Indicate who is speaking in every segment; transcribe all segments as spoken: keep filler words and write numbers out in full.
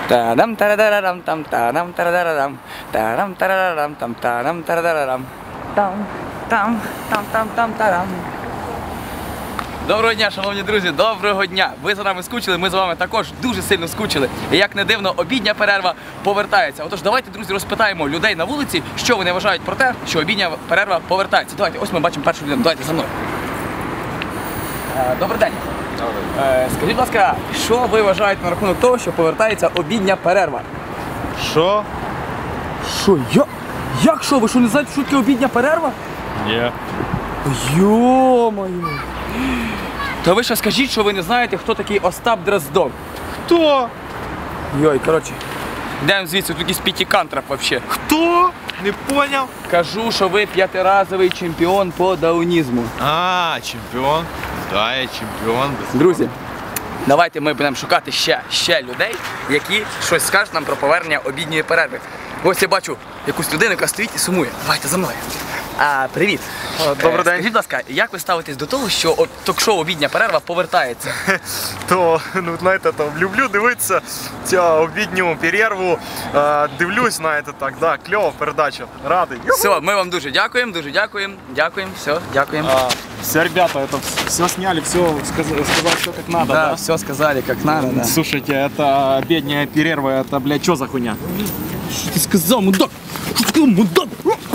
Speaker 1: Та-дам тарадарам там та-дам тарадарам. Та-дам тарадарам там та-дам тарадарам. Там там там там там тарам. Доброго дня, шановні друзі, доброго дня! Ви за нами скучили, ми з вами також дуже сильно скучили. І як не дивно, обідня перерва повертається. Отож, давайте, друзі, розпитаємо людей на вулиці, що вони вважають про те, що обідня перерва повертається. Давайте, ось ми бачимо першу людину. Давайте за мною. Добрий день. Добрий. Скажіть, будь ласка, що ви вважаєте на рахунок того, що повертається обідня перерва?
Speaker 2: Що?
Speaker 1: Що? Я? Як що? Ви що, не знаєте, що таке обідня перерва?
Speaker 2: Ні.
Speaker 1: Йо-моє! Та ви ще скажіть, що ви не знаєте, хто такий Остап Дроздов.
Speaker 2: Хто?
Speaker 1: Йой, коротше, йдемо звідси, тут якийсь п'ятикантрап взагалі.
Speaker 2: Хто? Не поняв.
Speaker 1: Кажу, що ви п'ятиразовий чемпіон по даунізму.
Speaker 2: А, чемпіон. Да, я чемпіон.
Speaker 1: Друзі, давайте ми будемо шукати ще, ще людей, які щось скажуть нам про повернення обідньої перерви. Ось я бачу якусь людину, яка стоїть і сумує. Давайте за мною. А, привіт.
Speaker 2: Добрий день.
Speaker 1: Скажіть, будь ласка, як ви ставитесь до того, що от ток-шоу «Обідня перерва» повертається?
Speaker 2: То, ну, знаєте, то люблю дивитися цю обідню перерву. Е, дивлюсь, знаєте, так, да, кльова передача. Радий.
Speaker 1: Все, ми вам дуже дякуємо, дуже дякуємо. Дякуємо, все, дякуємо.
Speaker 2: А, все, ребята, это все сняли, все сказали, все как надо,
Speaker 1: да,
Speaker 2: да?
Speaker 1: все сказали, как надо, да.
Speaker 2: Слушайте, это обедня перерва, это, блядь, что за хуйня?
Speaker 1: Що ти сказав, мудак? Що ти сказав, мудак?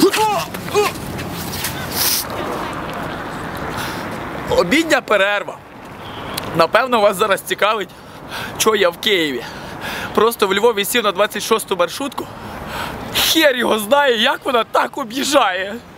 Speaker 1: Обідня перерва. Напевно, вас зараз цікавить, що я в Києві. Просто в Львові сів на двадцять шосту маршрутку. Хер його знає, як вона так об'їжджає.